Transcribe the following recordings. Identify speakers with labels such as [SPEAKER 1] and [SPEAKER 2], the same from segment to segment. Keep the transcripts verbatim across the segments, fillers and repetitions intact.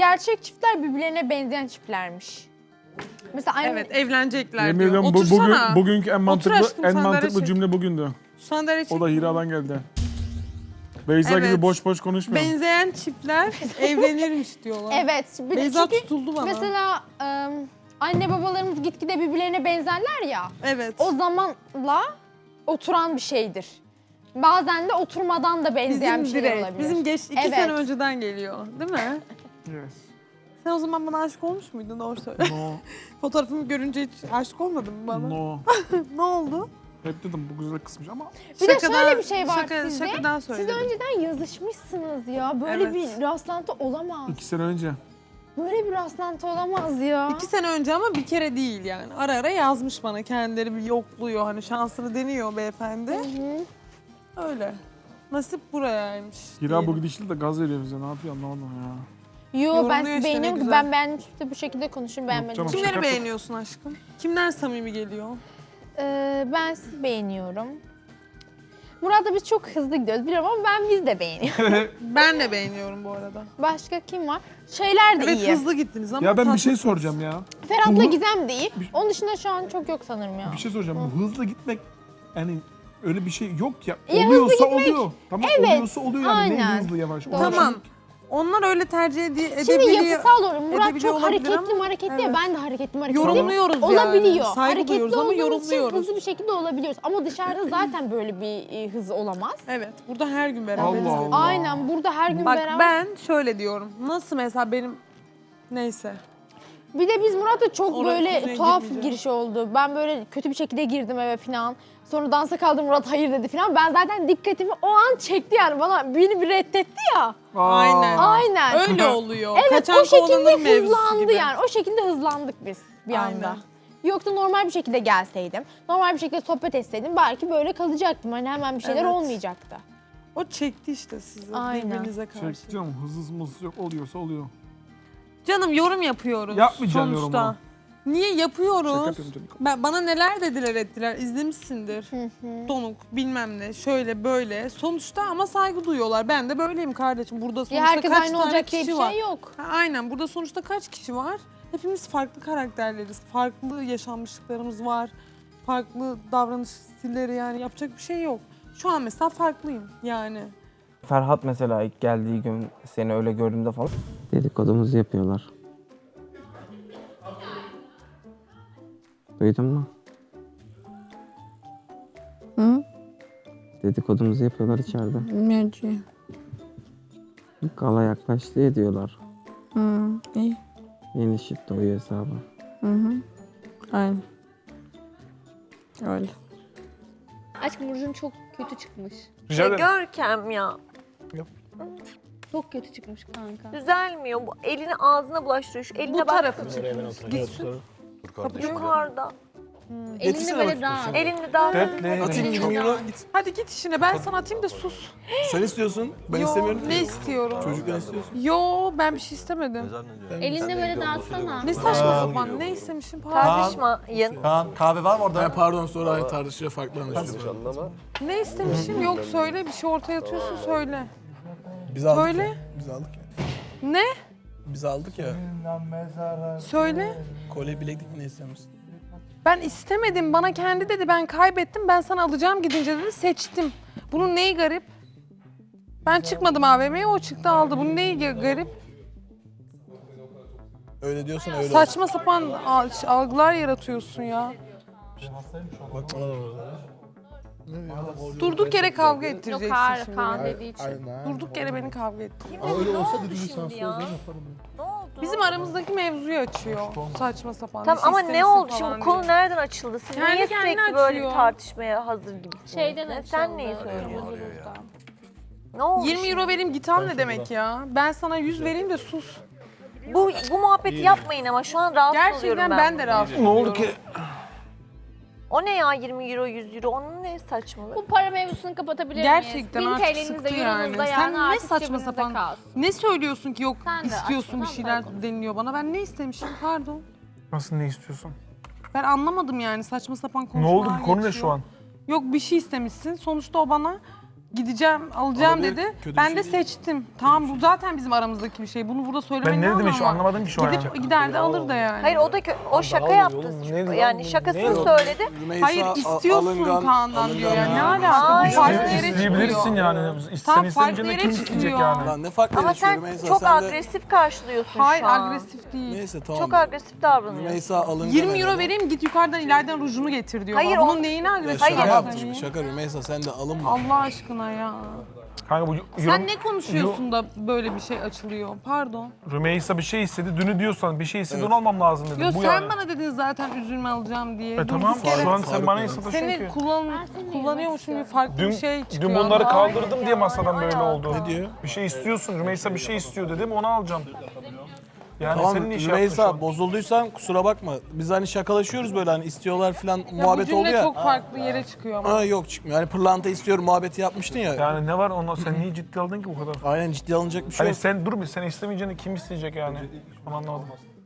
[SPEAKER 1] gerçek çiftler birbirlerine benzeyen çiftlermiş. Mesela anne...
[SPEAKER 2] Evet, evlenecekler
[SPEAKER 3] Yemin
[SPEAKER 2] diyor.
[SPEAKER 3] ediyorum bu,
[SPEAKER 2] Otursana.
[SPEAKER 3] bugün, bugünkü en mantıklı,
[SPEAKER 2] aşkım,
[SPEAKER 3] en
[SPEAKER 2] sandalye
[SPEAKER 3] mantıklı
[SPEAKER 2] çek.
[SPEAKER 3] cümle bugündü.
[SPEAKER 2] Sandalye çek.
[SPEAKER 3] O da Hira'dan geldi. Beyza
[SPEAKER 2] Evet.
[SPEAKER 3] gibi boş boş konuşmuyor.
[SPEAKER 2] Benzeyen çiftler evlenirmiş diyorlar.
[SPEAKER 1] Evet. Bir de
[SPEAKER 2] Beyza
[SPEAKER 1] çünkü
[SPEAKER 2] tutuldu bana.
[SPEAKER 1] mesela ım, anne babalarımız gitgide birbirlerine benzerler ya.
[SPEAKER 2] Evet.
[SPEAKER 1] O zamanla oturan bir şeydir. Bazen de oturmadan da benzeyen
[SPEAKER 2] bizim
[SPEAKER 1] bir şeyler
[SPEAKER 2] direkt,
[SPEAKER 1] olabilir.
[SPEAKER 2] bizim geç iki
[SPEAKER 1] Evet.
[SPEAKER 2] sene önceden geliyor, değil mi?
[SPEAKER 3] Yes.
[SPEAKER 2] Sen o zaman bana aşık olmuş muydun? Doğru söyle.
[SPEAKER 3] No,
[SPEAKER 2] Fotoğrafımı görünce hiç aşık olmadın mı bana?
[SPEAKER 3] no.
[SPEAKER 2] Ne oldu?
[SPEAKER 3] Hep dedim bu güzel kısmış ama
[SPEAKER 1] Bir de şöyle bir şey var
[SPEAKER 2] şaka,
[SPEAKER 1] sizde.
[SPEAKER 2] Şakadan
[SPEAKER 1] Siz
[SPEAKER 2] söyledim.
[SPEAKER 1] önceden yazışmışsınız ya. Böyle
[SPEAKER 2] Evet.
[SPEAKER 1] bir rastlantı olamaz.
[SPEAKER 3] iki sene önce.
[SPEAKER 1] Böyle bir rastlantı olamaz ya.
[SPEAKER 2] İki sene önce ama bir kere değil yani. Ara ara yazmış bana, kendileri bir yokluyor. Hani şansını deniyor beyefendi.
[SPEAKER 1] Hı hı.
[SPEAKER 2] Öyle. Nasip burayaymış.
[SPEAKER 3] Hira
[SPEAKER 2] diyelim.
[SPEAKER 3] bu gidişle de gaz veriyor bize. Ne yapıyor anlamadım ya.
[SPEAKER 1] Yo
[SPEAKER 2] Yorumluyor
[SPEAKER 1] ben
[SPEAKER 2] işte,
[SPEAKER 1] sizi
[SPEAKER 2] ne
[SPEAKER 1] beğeniyorum ki
[SPEAKER 2] güzel.
[SPEAKER 1] ben beğenmiştim de bu şekilde konuşun beğenmedim.
[SPEAKER 3] canım.
[SPEAKER 2] Kimleri
[SPEAKER 3] Şaka-
[SPEAKER 2] beğeniyorsun aşkım? Kimler samimi geliyor?
[SPEAKER 1] Ee, ben sizi beğeniyorum. Murat'la biz çok hızlı gidiyoruz biliyorum ama ben biz de beğeniyorum.
[SPEAKER 2] Ben de beğeniyorum bu arada.
[SPEAKER 1] Başka kim var? Şeyler de
[SPEAKER 2] Evet
[SPEAKER 1] iyi.
[SPEAKER 2] hızlı gittiniz ama
[SPEAKER 3] Ya ben bir şey
[SPEAKER 2] tatlısınız.
[SPEAKER 3] soracağım ya.
[SPEAKER 1] Ferhat'la
[SPEAKER 3] Bu-
[SPEAKER 1] Gizem de iyi. Onun dışında şu an çok yok sanırım ya.
[SPEAKER 3] Bir şey soracağım. Bu hızlı gitmek yani öyle bir şey yok ya.
[SPEAKER 1] Ya hızlı
[SPEAKER 3] Oluyorsa
[SPEAKER 1] gitmek,
[SPEAKER 3] oluyor. Tamam
[SPEAKER 1] evet,
[SPEAKER 3] oluyorsa oluyor yani.
[SPEAKER 1] aynen.
[SPEAKER 3] Ne hızlı yavaş.
[SPEAKER 1] Doğru.
[SPEAKER 3] Ona
[SPEAKER 2] Tamam.
[SPEAKER 3] şimdi-
[SPEAKER 2] Onlar öyle tercih ede
[SPEAKER 1] Şimdi
[SPEAKER 2] edebiliyor.
[SPEAKER 1] yapısal olur. Murat
[SPEAKER 2] edebiliyor
[SPEAKER 1] çok
[SPEAKER 2] olabilir
[SPEAKER 1] hareketli
[SPEAKER 2] ama-
[SPEAKER 1] hareketli
[SPEAKER 2] Evet.
[SPEAKER 1] ya ben de hareketli hareketli.
[SPEAKER 2] Yorumluyoruz yani.
[SPEAKER 1] Olabiliyor.
[SPEAKER 2] Saygı
[SPEAKER 1] Hareketli
[SPEAKER 2] duyuyoruz ama
[SPEAKER 1] olduğumuz için
[SPEAKER 2] yorumluyoruz.
[SPEAKER 1] hızlı bir şekilde olabiliyoruz. Ama dışarıda zaten böyle bir e, hız olamaz.
[SPEAKER 2] Evet. Burada her gün beraberiz.
[SPEAKER 3] Allah
[SPEAKER 2] dedim.
[SPEAKER 3] Allah.
[SPEAKER 1] Aynen burada her gün
[SPEAKER 2] Bak
[SPEAKER 1] beraber.
[SPEAKER 2] ben şöyle diyorum. Nasıl mesela benim neyse.
[SPEAKER 1] Bir de biz Murat'la çok
[SPEAKER 2] Oraya
[SPEAKER 1] böyle
[SPEAKER 2] konuya
[SPEAKER 1] tuhaf
[SPEAKER 2] girmeyeceğim.
[SPEAKER 1] giriş oldu. Ben böyle kötü bir şekilde girdim eve falan. Sonra dansa kaldım Murat hayır dedi falan. Ben zaten dikkatimi o an çekti yani bana beni bir reddetti ya.
[SPEAKER 3] Aa.
[SPEAKER 2] Aynen.
[SPEAKER 1] Aynen.
[SPEAKER 2] Öyle oluyor.
[SPEAKER 1] Evet
[SPEAKER 2] Kaçan
[SPEAKER 1] o şekilde
[SPEAKER 2] kovalanır mevzusu
[SPEAKER 1] hızlandı
[SPEAKER 2] gibi.
[SPEAKER 1] yani. O şekilde hızlandık biz bir
[SPEAKER 2] Aynen.
[SPEAKER 1] anda. Yoksa normal bir şekilde gelseydim, normal bir şekilde sohbet etseydim belki böyle kalacaktım. Hani hemen bir şeyler
[SPEAKER 2] Evet.
[SPEAKER 1] olmayacaktı.
[SPEAKER 2] O çekti işte sizi
[SPEAKER 1] Aynen.
[SPEAKER 2] birbirinize karşı.
[SPEAKER 3] Çek canım hızlı mızlı yok oluyorsa oluyor.
[SPEAKER 2] Canım yorum yapıyoruz
[SPEAKER 3] Yapmayacağım
[SPEAKER 2] sonuçta.
[SPEAKER 3] yorumu.
[SPEAKER 2] Niye
[SPEAKER 3] Şaka
[SPEAKER 2] yapıyoruz?
[SPEAKER 3] yapıyorum canım.
[SPEAKER 2] Ben, bana neler dediler ettiler izlemişsindir. Donuk bilmem ne şöyle böyle. Sonuçta ama saygı duyuyorlar. Ben de böyleyim kardeşim. Burada sonuçta
[SPEAKER 1] Ya herkes
[SPEAKER 2] kaç
[SPEAKER 1] aynı
[SPEAKER 2] tane
[SPEAKER 1] olacak diye
[SPEAKER 2] kişi
[SPEAKER 1] bir
[SPEAKER 2] var.
[SPEAKER 1] şey yok.
[SPEAKER 2] Ha, aynen burada sonuçta kaç kişi var? Hepimiz farklı karakterleriz. Farklı yaşanmışlıklarımız var. Farklı davranış stilleri yani yapacak bir şey yok. Şu an mesela farklıyım yani.
[SPEAKER 4] Ferhat mesela ilk geldiği gün seni öyle gördüğümde falan
[SPEAKER 5] Dedikodumuzu yapıyorlar. Duydun mu?
[SPEAKER 6] Hı?
[SPEAKER 5] Dedikodumuzu yapıyorlar içeride.
[SPEAKER 6] Merci.
[SPEAKER 5] Gala yaklaştı ya diyorlar.
[SPEAKER 6] Hı, iyi.
[SPEAKER 5] Yeni shift doyuyor hesabı.
[SPEAKER 6] Hı hı. Aynen. Öyle.
[SPEAKER 7] Aşkım Burcu'nun çok kötü çıkmış.
[SPEAKER 3] Rica ederim.
[SPEAKER 8] Görkem ya.
[SPEAKER 7] Çok kötü çıkmış kanka.
[SPEAKER 8] Düzelmiyor. Bu elini ağzına bulaştırıyor. Şu eline
[SPEAKER 2] Bu
[SPEAKER 8] bak.
[SPEAKER 2] tarafı çıkmış. Gitsin.
[SPEAKER 8] Yukarıda.
[SPEAKER 7] Elinde böyle rahat.
[SPEAKER 8] Elini daha
[SPEAKER 9] Atayım yirmi euro git.
[SPEAKER 2] Hadi git işine ben sana atayım da sus.
[SPEAKER 9] Sen istiyorsun. Ben
[SPEAKER 2] Yo,
[SPEAKER 9] istemiyorum.
[SPEAKER 2] ne istiyorum?
[SPEAKER 9] Çocuklar istiyorsun.
[SPEAKER 2] Yo ben bir şey istemedim.
[SPEAKER 7] Elinde böyle dağıtsana.
[SPEAKER 2] Ne saçma sapan ne istemişim pardon.
[SPEAKER 8] tartışmayın.
[SPEAKER 9] Kaan kahve var mı orada? Ha, pardon sonra aynı tartışıyor farklı anlaşılıyor.
[SPEAKER 2] Ne istemişim yok söyle bir şey ortaya atıyorsun söyle.
[SPEAKER 9] Biz aldık
[SPEAKER 2] Söyle.
[SPEAKER 9] ya. Biz aldık ya.
[SPEAKER 2] Ne?
[SPEAKER 9] Biz aldık ya.
[SPEAKER 2] Söyle.
[SPEAKER 9] Kolye bileklik mi ne istiyorsun?
[SPEAKER 2] Ben istemedim bana kendi dedi ben kaybettim ben sana alacağım gidince dedi seçtim. Bunun neyi garip? Ben çıkmadım A V M'ye o çıktı aldı. Bunun neyi garip?
[SPEAKER 9] Öyle diyorsan öyle
[SPEAKER 2] Saçma sapan al- algılar yaratıyorsun ya.
[SPEAKER 9] olsun. Bak bana da orada.
[SPEAKER 2] Durduk yere kavga
[SPEAKER 7] Yok
[SPEAKER 2] ettireceksin
[SPEAKER 7] hayır
[SPEAKER 2] şimdi.
[SPEAKER 7] Kaan dediği için.
[SPEAKER 2] Durduk yere beni kavga ettir.
[SPEAKER 8] Ne oldu şimdi ya? Ne oldu?
[SPEAKER 2] Bizim aramızdaki mevzuyu açıyor. Saçma sapan.
[SPEAKER 8] Tamam
[SPEAKER 2] bir şey
[SPEAKER 8] ama ne
[SPEAKER 2] istemişsin
[SPEAKER 8] oldu falan
[SPEAKER 2] falan
[SPEAKER 8] şimdi? Bu konu
[SPEAKER 2] diye.
[SPEAKER 8] nereden açıldı? Siz
[SPEAKER 2] Kendi
[SPEAKER 8] niye
[SPEAKER 2] kendine
[SPEAKER 8] sürekli böyle
[SPEAKER 2] açıyor.
[SPEAKER 8] bir tartışmaya hazır gibisiniz?
[SPEAKER 7] Şeyden
[SPEAKER 8] Ne?
[SPEAKER 7] açıldı.
[SPEAKER 8] Sen neyi söylüyorsun?
[SPEAKER 7] Kırmızı buzdan.
[SPEAKER 8] Ne oldu
[SPEAKER 2] yirmi euro
[SPEAKER 8] şimdi?
[SPEAKER 2] vereyim git al ne demek ya? Ben sana yüz vereyim de sus.
[SPEAKER 8] Bu, bu muhabbeti yapmayın ama şu an rahatsız oluyorum
[SPEAKER 2] Gerçekten
[SPEAKER 8] ben.
[SPEAKER 2] ben de rahatsız
[SPEAKER 3] Ne
[SPEAKER 2] oluyorum.
[SPEAKER 3] oldu ki?
[SPEAKER 8] O ne ya yirmi euro yüz euro? Onun ne saçmalığı?
[SPEAKER 7] Bu para mevzusunu kapatabilir miyiz?
[SPEAKER 2] Gerçekten
[SPEAKER 7] bin
[SPEAKER 2] artık
[SPEAKER 7] T L'niz de
[SPEAKER 2] sıktı yani.
[SPEAKER 7] euronuz da
[SPEAKER 2] Sen
[SPEAKER 7] yani
[SPEAKER 2] ne
[SPEAKER 7] artık
[SPEAKER 2] saçma
[SPEAKER 7] cebinizde
[SPEAKER 2] sapan
[SPEAKER 7] kalsın.
[SPEAKER 2] ne söylüyorsun ki yok
[SPEAKER 7] Sen de
[SPEAKER 2] istiyorsun bir
[SPEAKER 7] açmadan
[SPEAKER 2] şeyler
[SPEAKER 7] bırak onu.
[SPEAKER 2] deniliyor bana. Ben ne istemişim pardon.
[SPEAKER 3] Nasıl ne istiyorsun?
[SPEAKER 2] Ben anlamadım yani saçma sapan
[SPEAKER 3] Ne
[SPEAKER 2] konuşmalar
[SPEAKER 3] oldu ki? Konu ne
[SPEAKER 2] geçiyor.
[SPEAKER 3] şu an?
[SPEAKER 2] Yok bir şey istemişsin. Sonuçta o bana gideceğim, alacağım
[SPEAKER 9] Olabilir,
[SPEAKER 2] dedi.
[SPEAKER 9] kötü bir
[SPEAKER 2] Ben
[SPEAKER 9] şey
[SPEAKER 2] de
[SPEAKER 9] değil.
[SPEAKER 2] seçtim. Tamam bu zaten bizim aramızdaki bir şey. Bunu burada söylemenin
[SPEAKER 3] Ben ne dedim
[SPEAKER 2] anlamı
[SPEAKER 3] şu
[SPEAKER 2] var?
[SPEAKER 3] anlamadım ki şu an.
[SPEAKER 2] Gidip gider de alır da yani.
[SPEAKER 8] Hayır o da kö- o şaka yaptı. Yani şakasını söyledi.
[SPEAKER 9] Rümeysa
[SPEAKER 2] Hayır
[SPEAKER 9] a-
[SPEAKER 2] istiyorsun
[SPEAKER 9] alıngan-
[SPEAKER 2] Kaan'dan diyor yani. Ne
[SPEAKER 9] alıngan-
[SPEAKER 2] alaka? Bu
[SPEAKER 8] Hayır.
[SPEAKER 2] farklı yere
[SPEAKER 3] İsteyebilirsin
[SPEAKER 2] çıkıyor.
[SPEAKER 3] yani. İsten
[SPEAKER 2] Tam
[SPEAKER 3] istemeyince
[SPEAKER 2] farklı
[SPEAKER 3] de
[SPEAKER 2] yere
[SPEAKER 3] kim isteyecek
[SPEAKER 2] çıkıyor.
[SPEAKER 3] yani?
[SPEAKER 9] Lan ne fark
[SPEAKER 8] Ama
[SPEAKER 9] yaşıyor
[SPEAKER 8] sen
[SPEAKER 9] Rümeysa?
[SPEAKER 8] çok
[SPEAKER 9] sen de-
[SPEAKER 8] agresif karşılıyorsun
[SPEAKER 2] Hayır
[SPEAKER 8] şu an.
[SPEAKER 2] agresif değil.
[SPEAKER 9] Neyse tamam.
[SPEAKER 8] Çok agresif davranıyorsun.
[SPEAKER 9] Rümeysa alıngan.
[SPEAKER 2] yirmi euro
[SPEAKER 9] herhalde.
[SPEAKER 2] vereyim git yukarıdan ileriden rujunu getir diyor.
[SPEAKER 8] Hayır,
[SPEAKER 2] bana.
[SPEAKER 8] o-
[SPEAKER 2] Bunun neyine
[SPEAKER 9] Ya
[SPEAKER 2] agresif
[SPEAKER 9] şaka
[SPEAKER 8] Hayır.
[SPEAKER 9] yaptım. Şaka Rümeysa sen de alınma.
[SPEAKER 2] Allah aşkına ya.
[SPEAKER 3] Kanka bu
[SPEAKER 2] Sen ne konuşuyorsun da böyle bir şey açılıyor? Pardon.
[SPEAKER 3] Rümeysa bir şey istedi. Dünü diyorsan bir şey istedi onu almam lazım dedim.
[SPEAKER 2] Yo
[SPEAKER 3] bu
[SPEAKER 2] sen
[SPEAKER 3] yani.
[SPEAKER 2] bana dedin zaten üzülme alacağım diye.
[SPEAKER 3] E
[SPEAKER 2] Durduk
[SPEAKER 3] tamam
[SPEAKER 2] yere
[SPEAKER 3] şu an
[SPEAKER 9] Faruk
[SPEAKER 3] sen bana
[SPEAKER 9] ya.
[SPEAKER 3] sataşıyorsun
[SPEAKER 2] Seni
[SPEAKER 3] ki.
[SPEAKER 2] kullan, kullanıyormuşum gibi farklı
[SPEAKER 3] Dün,
[SPEAKER 2] bir şey çıkıyor.
[SPEAKER 3] dün bunları
[SPEAKER 2] ama.
[SPEAKER 3] kaldırdım diye masadan böyle oldu.
[SPEAKER 9] Ne diyor?
[SPEAKER 3] Bir şey istiyorsun. Rümeysa bir şey istiyor dedim onu alacağım. Yani
[SPEAKER 9] Tamam
[SPEAKER 3] senin iş yaptın şu
[SPEAKER 9] Rümeysa
[SPEAKER 3] an.
[SPEAKER 9] bozulduysan kusura bakma. Biz hani şakalaşıyoruz böyle hani istiyorlar falan
[SPEAKER 2] Ya bu
[SPEAKER 9] muhabbet oldu
[SPEAKER 2] cümle
[SPEAKER 9] ya.
[SPEAKER 2] çok farklı yere çıkıyor ama.
[SPEAKER 9] Ha yok çıkmıyor. Hani pırlanta istiyorum muhabbeti yapmıştın ya.
[SPEAKER 3] Yani ne var ona sen niye ciddi aldın ki bu kadar?
[SPEAKER 9] Aynen ciddi alınacak bir şey
[SPEAKER 3] Hani
[SPEAKER 9] yok.
[SPEAKER 3] sen dur bir sen istemeyeceğini kim isteyecek yani? Onu anlamadım.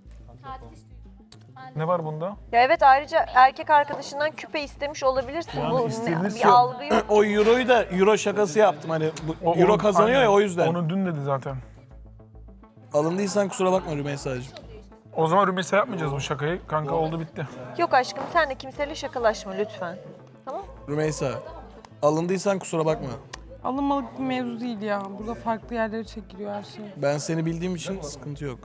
[SPEAKER 3] Ne var bunda?
[SPEAKER 8] Ya evet ayrıca erkek arkadaşından küpe istemiş olabilirsin.
[SPEAKER 3] Yani
[SPEAKER 8] Bu ne-
[SPEAKER 3] isteyebilirsin.
[SPEAKER 8] bir algı yok.
[SPEAKER 9] O euroyu da euro şakası yaptım hani bu
[SPEAKER 3] O-
[SPEAKER 9] euro
[SPEAKER 3] onu-
[SPEAKER 9] kazanıyor
[SPEAKER 3] aynen.
[SPEAKER 9] ya o yüzden.
[SPEAKER 3] Onu dün dedi zaten.
[SPEAKER 9] Alındıysan kusura bakma Rümeysa'cığım.
[SPEAKER 3] O zaman Rümeysa yapmayacağız bu şakayı. Kanka oldu bitti.
[SPEAKER 8] Yok aşkım sen de kimseyle şakalaşma lütfen. Tamam?
[SPEAKER 9] Rümeysa alındıysan kusura bakma.
[SPEAKER 2] Alınmalık bir mevzu değil ya. Burada farklı yerlere çekiliyor her şey.
[SPEAKER 9] Ben seni bildiğim için sıkıntı yok.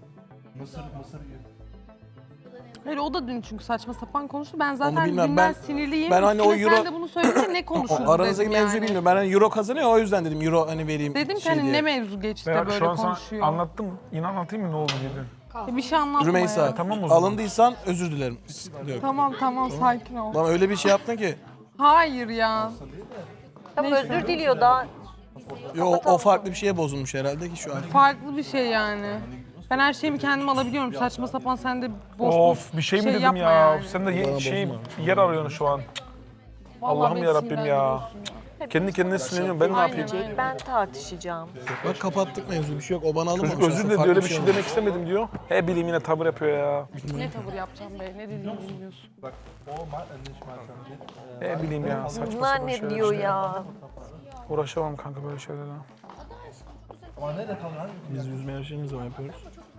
[SPEAKER 2] Hayır o da dün çünkü saçma sapan konuştu. Ben zaten
[SPEAKER 9] bilmem,
[SPEAKER 2] dünden
[SPEAKER 9] ben-
[SPEAKER 2] sinirliyim.
[SPEAKER 9] ben hani o
[SPEAKER 2] Üstüne
[SPEAKER 9] euro-
[SPEAKER 2] sen de bunu söyleyince ne konuşuruz
[SPEAKER 9] O aranızdaki
[SPEAKER 2] dedim
[SPEAKER 9] mevzuyu
[SPEAKER 2] yani.
[SPEAKER 9] bilmiyorum. Ben hani euro kazanıyor o yüzden dedim euro hani vereyim
[SPEAKER 2] Dedim ki
[SPEAKER 9] şey
[SPEAKER 2] hani
[SPEAKER 9] diye.
[SPEAKER 2] ne mevzu geçti de
[SPEAKER 3] Ben
[SPEAKER 2] böyle
[SPEAKER 3] şu an sana
[SPEAKER 2] konuşuyor.
[SPEAKER 3] anlattım. İnan anlatayım mı ne oldu dedi.
[SPEAKER 2] Ya bir şey anlatma
[SPEAKER 9] Rümeysa
[SPEAKER 2] ya.
[SPEAKER 3] Tamam o zaman.
[SPEAKER 9] alındıysan özür dilerim. Sıkıntı yok.
[SPEAKER 2] Tamam tamam sakin ol.
[SPEAKER 9] Lan öyle bir şey yaptın ki.
[SPEAKER 2] Hayır ya.
[SPEAKER 8] Tamam
[SPEAKER 2] Neyse.
[SPEAKER 8] özür diliyor daha.
[SPEAKER 9] Yo, o, o farklı bir şeye bozulmuş herhalde ki şu an.
[SPEAKER 2] Farklı bir şey yani. Ben her şeyimi kendim alabiliyorum. Saçma sapan sen de boş
[SPEAKER 3] Of
[SPEAKER 2] boş
[SPEAKER 3] bir şey mi dedim
[SPEAKER 2] yapma
[SPEAKER 3] ya?
[SPEAKER 2] yani.
[SPEAKER 3] Sen de ye-
[SPEAKER 9] Bana
[SPEAKER 3] şey
[SPEAKER 9] bozma.
[SPEAKER 3] yer arıyorsun şu an.
[SPEAKER 2] Vallahi
[SPEAKER 3] Allah'ım
[SPEAKER 2] beni
[SPEAKER 3] yarabbim ya.
[SPEAKER 2] sinirlendiriyorsun ya.
[SPEAKER 3] Kendi kendine sinirleniyorum. Ben ne
[SPEAKER 2] Aynen,
[SPEAKER 3] yapayım?
[SPEAKER 2] aynen.
[SPEAKER 8] Ben tartışacağım.
[SPEAKER 9] Bak kapattık mevzu bir şey yok. O bana alınmamış.
[SPEAKER 3] Çocuk özür
[SPEAKER 9] aslında,
[SPEAKER 3] diledi
[SPEAKER 9] farklı
[SPEAKER 3] öyle bir şey
[SPEAKER 9] olmuş.
[SPEAKER 3] demek istemedim diyor. He bileyim yine tavır yapıyor ya.
[SPEAKER 2] Ne tavır yapacağım be? Ne dediğini bilmiyorsun.
[SPEAKER 3] He bileyim ya saçma
[SPEAKER 8] Bunlar
[SPEAKER 3] sapan
[SPEAKER 8] ne
[SPEAKER 3] şeyler
[SPEAKER 8] diyor
[SPEAKER 3] işte.
[SPEAKER 8] ya?
[SPEAKER 3] Uğraşamam kanka böyle şeylerle.
[SPEAKER 9] Biz yüzme yarışını ne zaman yapıyoruz?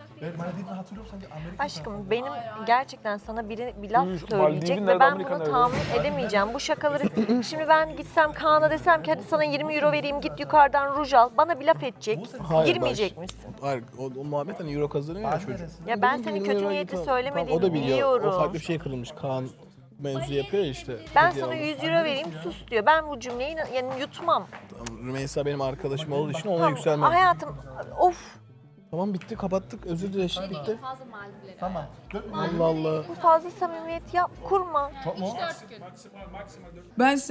[SPEAKER 8] Aşkım benim gerçekten sana biri bir laf
[SPEAKER 3] Üf,
[SPEAKER 8] söyleyecek
[SPEAKER 3] Maldiv'in
[SPEAKER 8] ve
[SPEAKER 3] nerede,
[SPEAKER 8] ben
[SPEAKER 3] Amerika
[SPEAKER 8] bunu
[SPEAKER 3] nerede?
[SPEAKER 8] tahammül edemeyeceğim. Bu şakaları şimdi ben gitsem Kaan'a desem ki hadi sana yirmi euro vereyim git yukarıdan ruj al. Bana bir laf edecek.
[SPEAKER 9] Hayır,
[SPEAKER 8] Girmeyecek
[SPEAKER 9] bak.
[SPEAKER 8] misin?
[SPEAKER 9] Hayır o, o muhabbet hani euro kazanıyor ya çocuk.
[SPEAKER 8] Ya ben
[SPEAKER 9] Dedim ki
[SPEAKER 8] senin
[SPEAKER 9] yirmi
[SPEAKER 8] kötü
[SPEAKER 9] euro
[SPEAKER 8] niyeti
[SPEAKER 9] tamam,
[SPEAKER 8] söylemediğini
[SPEAKER 9] o da biliyor.
[SPEAKER 8] biliyorum.
[SPEAKER 9] O farklı bir şey kırılmış. Kaan mevzu yapıyor ya işte.
[SPEAKER 8] Ben
[SPEAKER 9] Hediye
[SPEAKER 8] sana
[SPEAKER 9] aldı.
[SPEAKER 8] yüz euro vereyim sus diyor. Ben bu cümleyi yani yutmam.
[SPEAKER 9] Tamam, Rümeysa benim arkadaşım olduğu için ona
[SPEAKER 8] Tamam,
[SPEAKER 9] yükselmem.
[SPEAKER 8] hayatım of
[SPEAKER 9] Tamam bitti kapattık. Özür dilerim bitti. Tamam. Allah Allah.
[SPEAKER 8] bu fazla samimiyet yap kurma.
[SPEAKER 6] Ben